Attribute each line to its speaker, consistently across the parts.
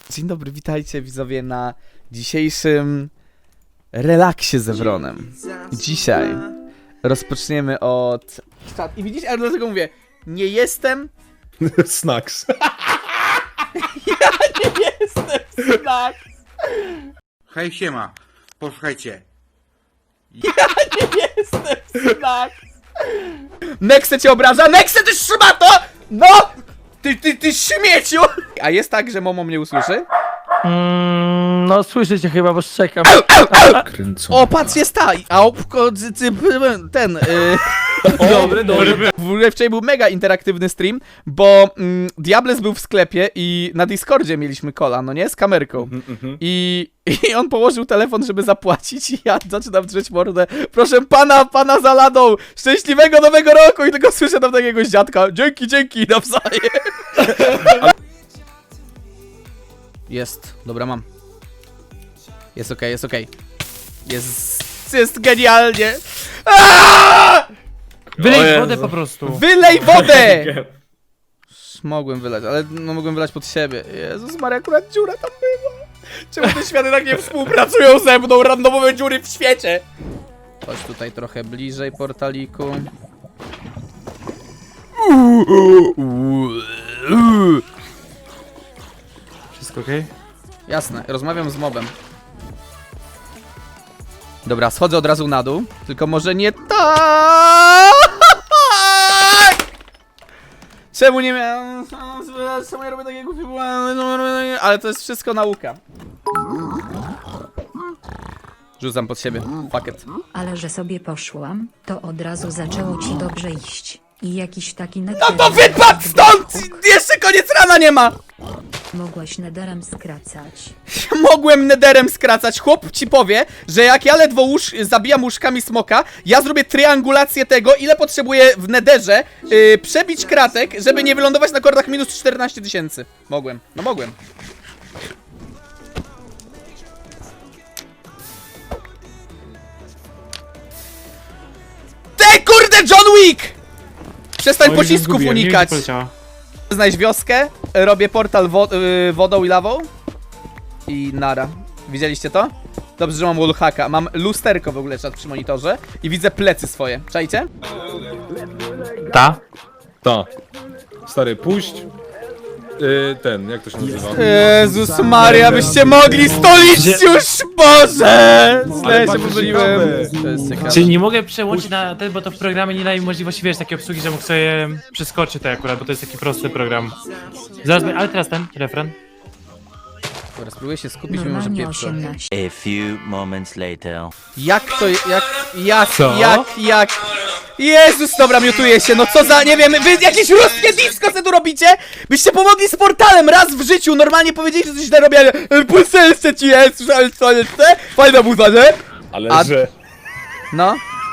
Speaker 1: Dzień dobry, witajcie widzowie na dzisiejszym relaksie z Ewronem. Dzisiaj rozpoczniemy od... I widzisz, ale dlatego mówię, nie jestem...
Speaker 2: Snacks.
Speaker 1: Ja nie jestem Snacks.
Speaker 3: Hej, siema. Posłuchajcie.
Speaker 1: Ja nie jestem Snacks. Nexe cię obraża? Nexe, ty szmato! No! Ty śmieciu! A jest tak, że Momo mnie usłyszy?
Speaker 4: No słyszycie chyba, bo szczekam.
Speaker 1: O, patrz, jest ta! A ten...
Speaker 4: Dobry.
Speaker 1: W ogóle wczoraj był mega interaktywny stream, bo Diables był w sklepie i na Discordzie mieliśmy kola, no nie? Z kamerką. I on położył telefon, żeby zapłacić i ja zaczynam drzeć mordę. Proszę pana za ladą! Szczęśliwego nowego roku! I tylko słyszę tam takiego dziadka. Dzięki, nawzajem. Jest, dobra, mam. Jest okej, jest okej. Jest genialnie. Aaaa!
Speaker 4: Wylej wodę po prostu.
Speaker 1: Wylej wodę! Mogłem wylać, ale no mogłem wylać pod siebie. Jezus Maria, akurat dziura tam była. Czemu te światy tak nie współpracują ze mną? Randomowe dziury w świecie. Chodź tutaj trochę bliżej portaliku.
Speaker 4: Wszystko okej?
Speaker 1: Jasne, rozmawiam z mobem. Dobra, schodzę od razu na dół. Tylko może nie tak! Czemu nie miałem... Czemu ja robię takie głupie błędy? Ale to jest wszystko nauka. Rzucam pod siebie. Fuck it.
Speaker 5: Ale że sobie poszłam, to od razu zaczęło ci dobrze iść. I jakiś taki
Speaker 1: No to wypadł stąd! Jeszcze koniec rana nie ma!
Speaker 5: Mogłaś nederem skracać.
Speaker 1: Mogłem nederem skracać. Chłop ci powie, że jak ja ledwo zabijam łóżkami smoka, ja zrobię triangulację tego, ile potrzebuję w nederze przebić kratek, żeby nie wylądować na kordach minus 14 000. Mogłem. No mogłem. Ty kurde John Wick! Przestań pocisków unikać. Znajdź wioskę, robię portal wodą i lawą i nara. Widzieliście to? Dobrze, że mam wallhacka. Mam lusterko w ogóle czat przy monitorze i widzę plecy swoje. Czajcie?
Speaker 4: Ta?
Speaker 2: Ta. Stary, puść. Ten, jak to się nazywa?
Speaker 1: Jezus Maria, byście mogli stolić już, Boże! Źle się
Speaker 2: patrz,
Speaker 1: pomyliłem.
Speaker 2: ciekawe.
Speaker 1: To jest ciekawe.
Speaker 4: Czyli nie mogę przełączyć na ten, bo to w programie nie daje możliwości, wiesz, takiej obsługi, że mógł sobie przeskoczyć to akurat, bo to jest taki prosty program. Zaraz, ale teraz ten refren.
Speaker 1: Dobra, spróbuję się skupić, mimo że
Speaker 5: Normalnie
Speaker 1: pieprzę.
Speaker 5: 18.
Speaker 6: A few moments later.
Speaker 1: Jak to,
Speaker 4: Co?
Speaker 1: jak... Jezus, dobra, miutuję się, no co za, nie wiem, wy jakieś ruskie disco co tu robicie? Byście pomogli z portalem raz w życiu, normalnie powiedzieli, że coś źle robię, ale pulselse ci jest, słyszałeś co jest, fajna muza, nie?
Speaker 2: Ale
Speaker 1: A-
Speaker 2: że...
Speaker 1: No.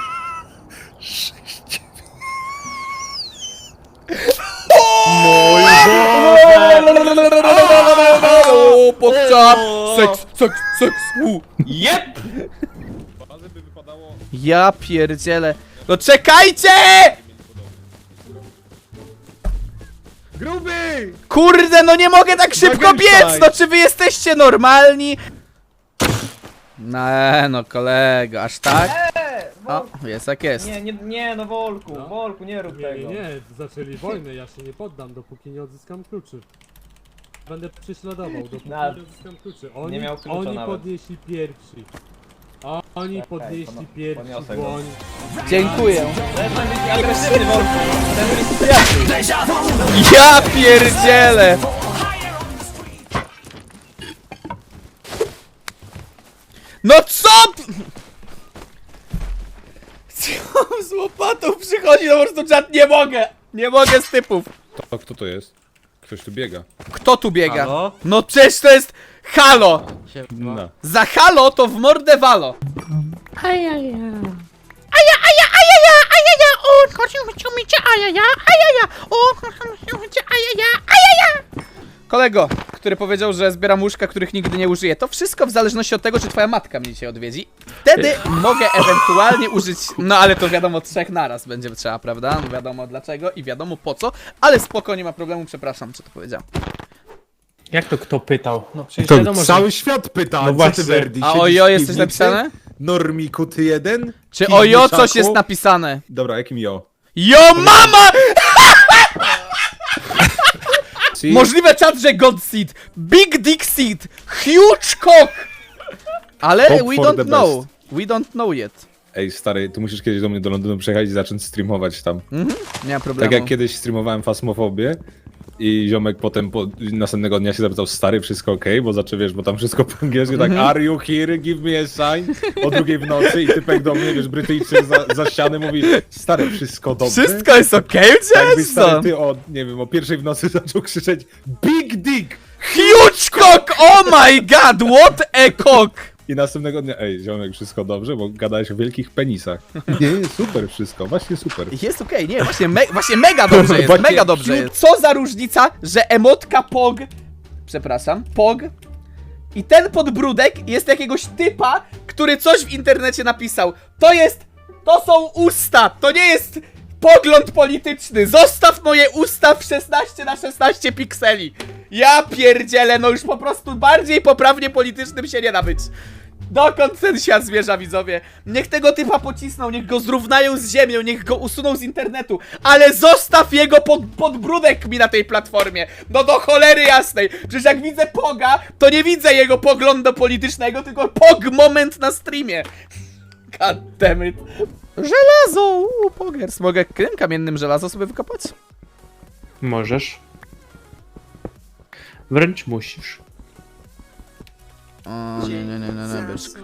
Speaker 1: O, podczap, seks,
Speaker 2: Jep! By wypadało...
Speaker 1: Ja pierdzielę. No czekajcie!
Speaker 2: Gruby!
Speaker 1: Kurde, no nie mogę tak szybko
Speaker 2: Zagrywaj.
Speaker 1: biec! No czy wy jesteście normalni? No kolego, aż tak? O, jest jak jest.
Speaker 7: Nie, no Wolku, nie rób tego.
Speaker 8: Nie, zaczęli wojnę, ja się nie poddam, dopóki nie odzyskam kluczy. Będę prześladował, dopóki nie odzyskam kluczy. Oni,
Speaker 7: miał klucza
Speaker 8: oni
Speaker 7: nawet.
Speaker 8: podnieśli pierwsi. Oni podnieśli pierwsi
Speaker 7: podniosę go.
Speaker 8: dłoń.
Speaker 1: Dziękuję.
Speaker 7: Przestań być agresywny, Wolku. Ten jest przyjaciół.
Speaker 1: Ja pierdzielę! No co? Co z łopatą przychodzi? No po prostu czat, nie mogę! Nie mogę z typów.
Speaker 2: To kto to jest? Ktoś tu biega.
Speaker 1: Kto tu biega?
Speaker 4: Halo?
Speaker 1: No przecież to jest halo!
Speaker 2: No.
Speaker 1: Za halo to w mordę walo. Kolego, który powiedział, że zbieram łóżka, których nigdy nie użyję. To wszystko w zależności od tego, czy twoja matka mnie dzisiaj odwiedzi. Wtedy mogę ewentualnie użyć... No ale to wiadomo, 3 naraz będzie trzeba, prawda? No wiadomo dlaczego i wiadomo po co. Ale spoko, nie ma problemu, przepraszam, czy to powiedziałem.
Speaker 4: Jak to kto pytał? No przecież
Speaker 2: To
Speaker 4: wiadomo,
Speaker 2: cały
Speaker 4: że...
Speaker 2: świat pyta,
Speaker 4: No
Speaker 2: co ty
Speaker 4: właśnie.
Speaker 2: Verdi?
Speaker 1: A
Speaker 2: siedzisz
Speaker 1: ojo
Speaker 2: w
Speaker 1: jest coś
Speaker 2: piwnicy?
Speaker 1: napisane?
Speaker 2: Normiku, ty jeden?
Speaker 1: Czy
Speaker 2: Pij
Speaker 1: ojo
Speaker 2: mieszaku?
Speaker 1: coś jest napisane?
Speaker 2: Dobra, jakim jo?
Speaker 1: Yo mama!
Speaker 2: See?
Speaker 1: Możliwe czat, że God Seed, Big Dick Seed, Huge Cock! Ale
Speaker 2: Hope
Speaker 1: we
Speaker 2: for
Speaker 1: don't
Speaker 2: the
Speaker 1: know. We don't know yet.
Speaker 2: Ej, stary, tu musisz kiedyś do mnie do Londynu przyjechać i zacząć streamować tam.
Speaker 1: Nie ma problemu.
Speaker 2: Tak jak kiedyś streamowałem Fasmofobię i ziomek potem następnego dnia się zapytał, stary, wszystko okej? Bo zaczął, wiesz, bo tam wszystko po angielsku, tak, are you here, give me a sign, o 2 w nocy i typek do mnie, wiesz, Brytyjczyk za ściany mówi, stary, wszystko dobrze?
Speaker 1: Wszystko jest okej,
Speaker 2: Jakby
Speaker 1: okay,
Speaker 2: stary, ty o, nie wiem, o 1 w nocy zaczął krzyczeć, big dick!
Speaker 1: Huge Cock! Oh my god, what a cock!
Speaker 2: I następnego dnia, ej, ziomek, wszystko dobrze, bo gadałeś o wielkich penisach. Nie, super wszystko, właśnie super.
Speaker 1: Jest okej, nie, właśnie mega dobrze jest,
Speaker 2: Właśnie
Speaker 1: mega dobrze jest. Co za różnica, że emotka POG, przepraszam, POG i ten podbródek jest jakiegoś typa, który coś w internecie napisał. To są usta, to nie jest pogląd polityczny. Zostaw moje usta w 16:16 pikseli. Ja pierdzielę, no już po prostu bardziej poprawnie politycznym się nie da być. Dokąd ten świat zmierza, widzowie? Niech tego typa pocisną, niech go zrównają z ziemią, niech go usuną z internetu, ale zostaw jego podbródek mi na tej platformie. No do cholery jasnej. Przecież jak widzę Poga, to nie widzę jego poglądu politycznego, tylko Pog moment na streamie. God damn it. Żelazo! Pogers. Mogę krem kamiennym żelazo sobie wykopać?
Speaker 4: Możesz. Wręcz musisz.
Speaker 1: O, nie, byczku.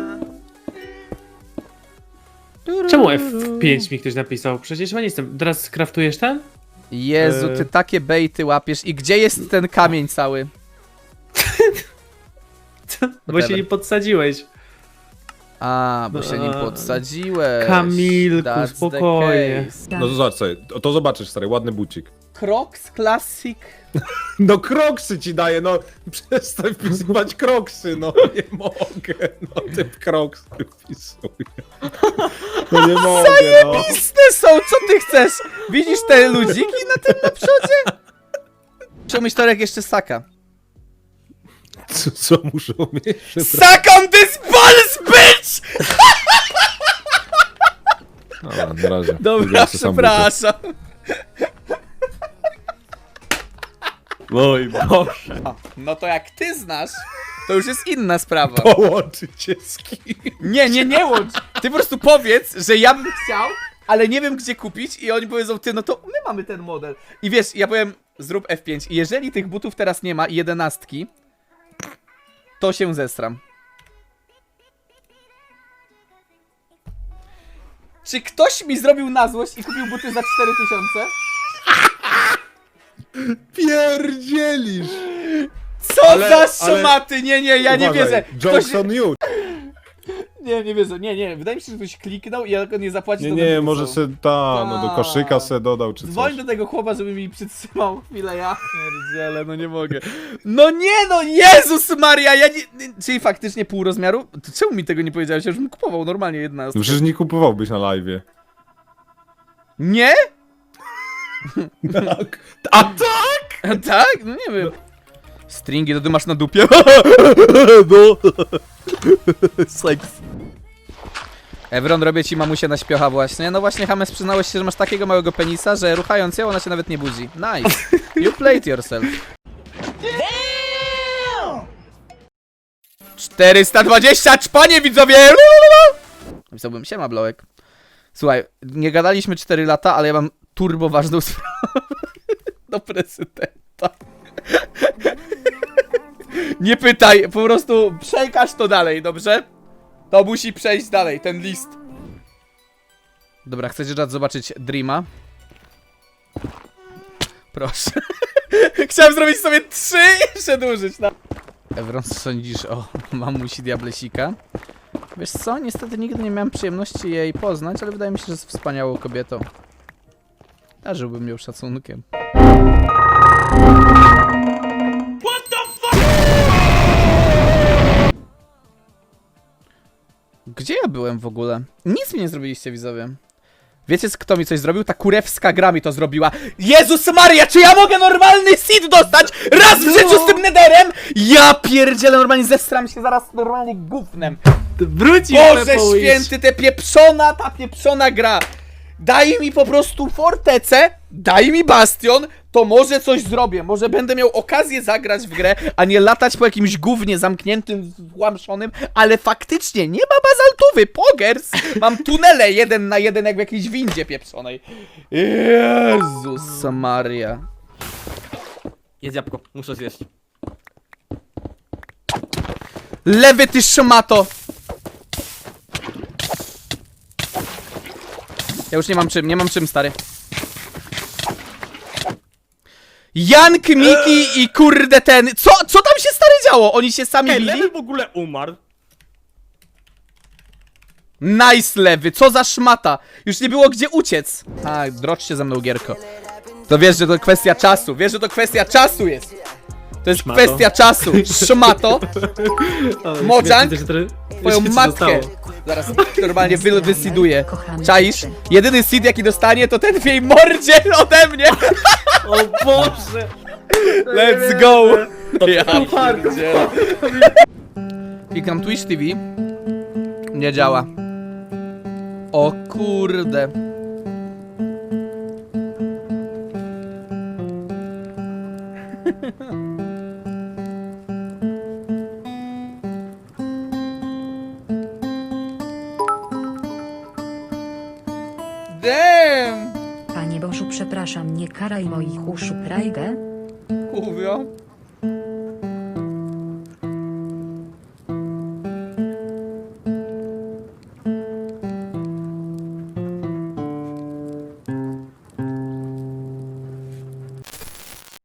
Speaker 4: Czemu F5 mi ktoś napisał? Przecież ja nie jestem. Teraz skraftujesz ten?
Speaker 1: Jezu, ty takie bejty łapiesz. I gdzie jest ten kamień cały?
Speaker 4: Bo się nie podsadziłeś.
Speaker 1: A, bo się nim podsadziłeś.
Speaker 4: Kamilku,
Speaker 1: That's the
Speaker 4: spokojnie.
Speaker 1: case.
Speaker 2: No to zobacz sobie, to zobaczysz, stary, ładny bucik.
Speaker 1: Crocs Classic.
Speaker 2: No kroksy ci daję, no przestań wpisywać kroksy, no nie mogę, no typ kroksy wpisuję. No nie mogę, no.
Speaker 1: Piste są, co ty chcesz? Widzisz te ludziki na tym na przodzie? Muszę mieć torek jeszcze saka.
Speaker 2: Co muszą mieć?
Speaker 1: Suck on this balls, bitch!
Speaker 2: Dobra, na razie.
Speaker 1: Dobra,
Speaker 2: Wybiorę sobie sam
Speaker 1: przepraszam.
Speaker 7: Mój Boże.
Speaker 1: No to jak ty znasz, to już jest inna sprawa.
Speaker 2: buty. Połączyć cię z kim?
Speaker 1: Nie łącz. Ty po prostu powiedz, że ja bym chciał, ale nie wiem gdzie kupić i oni powiedzą, ty, no to my mamy ten model. I wiesz, ja powiem, zrób F5 i jeżeli tych butów teraz nie ma i 11, to się zestram. Czy ktoś mi zrobił na złość i kupił buty za 4000?
Speaker 2: Pierdzielisz!
Speaker 1: Co
Speaker 2: Ale-
Speaker 1: za szomaty? Nie, ja nie
Speaker 2: Uważaj,
Speaker 1: wierzę.
Speaker 2: Jokes on you.
Speaker 1: Nie wierzę, nie. Wydaje mi się, że ktoś kliknął i jak on nie zapłaci,
Speaker 2: Nie,
Speaker 1: to
Speaker 2: nie,
Speaker 1: będę
Speaker 2: może
Speaker 1: pisał.
Speaker 2: se no do koszyka se dodał czy
Speaker 1: Dzwoń
Speaker 2: coś.
Speaker 1: do tego chłopa, żeby mi przytrzymał chwilę, ja pierdzielę, no nie mogę. No nie, no Jezus Maria, ja nie... Czyli faktycznie pół rozmiaru? To czemu mi tego nie powiedziałeś? Ja już bym kupował normalnie 11.
Speaker 2: No przecież nie kupowałbyś na live'ie.
Speaker 1: Nie?
Speaker 2: Tak. A tak?
Speaker 1: A tak? No nie wiem. Stringi to ty masz na dupie? No. Seks. Evron, robię ci mamusię na śpiocha właśnie. No właśnie, James, przyznałeś się, że masz takiego małego penisa, że ruchając ją, ona się nawet nie budzi. Nice. You played yourself. 420 czpanie, widzowie! Napisałbym, siema, Blołek. Słuchaj, nie gadaliśmy 4 lata, ale ja mam turbo ważną sprawę do prezydenta. Nie pytaj, po prostu przekaż to dalej, dobrze? To musi przejść dalej, ten list. Dobra, chcecie raz zobaczyć Dreama? Proszę. Chciałem zrobić sobie 3 i przedłużyć. No. Evron, co sądzisz o mamusi Diablesika? Wiesz co, niestety nigdy nie miałem przyjemności jej poznać, ale wydaje mi się, że jest wspaniałą kobietą. Darzyłbym ją szacunkiem. Gdzie ja byłem w ogóle? Nic mi nie zrobiliście, widzowie. Wiecie, kto mi coś zrobił? Ta kurewska gra mi to zrobiła. Jezus Maria, czy ja mogę normalny seed dostać raz w życiu z tym netherem? Ja pierdzielę, normalnie zestram się zaraz normalnie gównem.
Speaker 7: Wrócił
Speaker 1: Boże
Speaker 7: Pepo Wish.
Speaker 1: święty, ta pieprzona gra. Daj mi po prostu fortecę, daj mi bastion, to może coś zrobię. Może będę miał okazję zagrać w grę, a nie latać po jakimś gównie zamkniętym, włamszonym, ale faktycznie nie ma bazaltowy, pogers. Mam tunele 1 na 1 jak w jakiejś windzie pieprzonej. Jezus Maria.
Speaker 7: Jedz jabłko, muszę zjeść.
Speaker 1: Lewy ty szmato. Ja już nie mam czym, stary. Jank, Miki i kurde ten... Co tam się stary działo? Oni się sami
Speaker 7: Ej,
Speaker 1: bili?
Speaker 7: Lewy w ogóle umarł.
Speaker 1: Nice, Lewy, co za szmata. Już nie było gdzie uciec. Tak, drocz się ze mną, Gierko. To wiesz, że to kwestia czasu. Wiesz, że to kwestia czasu jest. To jest
Speaker 7: Szmato.
Speaker 1: kwestia czasu. Szmato. Mojang, twoją
Speaker 7: Jeszcze ci
Speaker 1: matkę.
Speaker 7: zostało.
Speaker 1: Zaraz normalnie wysiduję.
Speaker 5: Kochamy
Speaker 1: Czaisz?
Speaker 5: cię.
Speaker 1: Jedyny seed jaki dostanie to ten w jej mordzie ode mnie.
Speaker 7: O Boże!
Speaker 1: Let's go. Ja pierdzielę. Klikam Twitch TV. Nie działa. O kurde. Damn!
Speaker 5: Panie Bożu, przepraszam, nie karaj moich uszu, Prajgę.
Speaker 1: Kurwa.